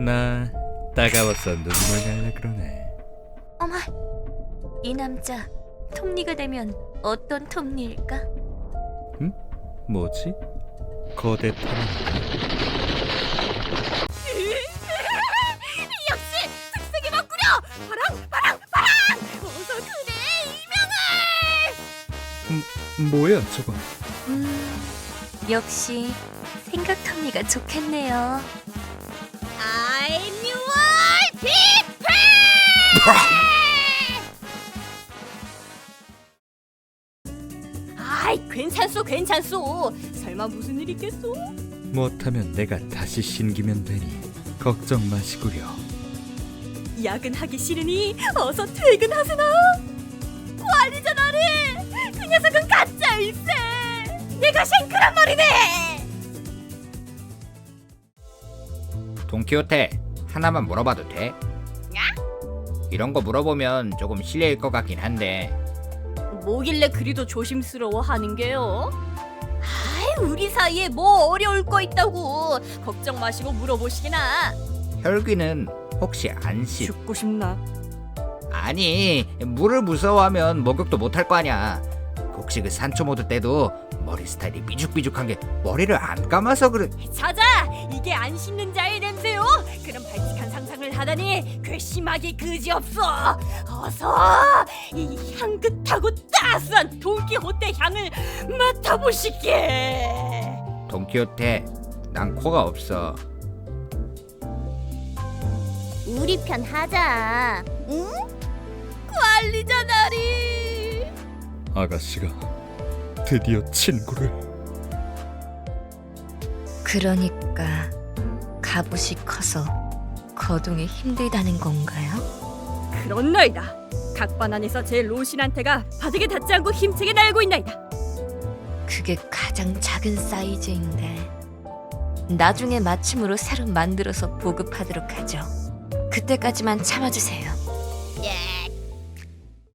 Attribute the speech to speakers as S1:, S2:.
S1: 나 따가워서 눈물 날라 그러네.
S2: 어머, 이 남자 톱니가 되면 어떤 톱니일까?
S1: 뭐지? 거대 탐.
S2: 역시 특색이 바꾸려! 바람! 어서 그대 이명을!
S1: 뭐야 저건?
S2: 역시 생각 톱니가 좋겠네요. I'm your people! 아이, 괜찮소. 설마 무슨 일 있겠소?
S1: 못하면 내가 다시 신기면 되니 걱정 마시구려.
S2: 야근하기 싫으니 어서 퇴근하세나. 관리자 나리, 그 녀석은 가짜일세. 내가 싱크란 말이네.
S3: 돈키호테, 하나만 물어봐도 돼? 이런 거 물어보면 조금 실례일 것 같긴 한데
S2: 뭐길래 그리도 조심스러워하는 게요? 아이, 우리 사이에 뭐 어려울 거 있다고. 걱정 마시고 물어보시기나.
S3: 혈귀는 혹시 안씨?
S2: 죽고 싶나?
S3: 아니, 물을 무서워하면 목욕도 못할 거 아냐. 혹시 그 산초모드 때도 머리 스타일이 삐죽삐죽한 게 머리를 안 감아서 그래.
S2: 찾아! 이게 안 씻는 자의 냄새요? 그런 발칙한 상상을 하다니 괘씸하기 그지없어. 어서 이 향긋하고 따스한 돈키호테 향을 맡아보시게.
S3: 돈키호테, 난 코가 없어.
S4: 우리 편 하자. 응?
S2: 관리자 나리.
S1: 아가씨가 드디어 친구를.
S5: 그러니까 갑옷이 커서 거동이 힘들다는 건가요?
S2: 그렇나이다. 각반 안에서 제 로신한테가 바닥에 닿지 않고 힘차게 날고 있나이다.
S5: 그게 가장 작은 사이즈인데 나중에 맞춤으로 새로 만들어서 보급하도록 하죠. 그때까지만 참아주세요.
S4: 예.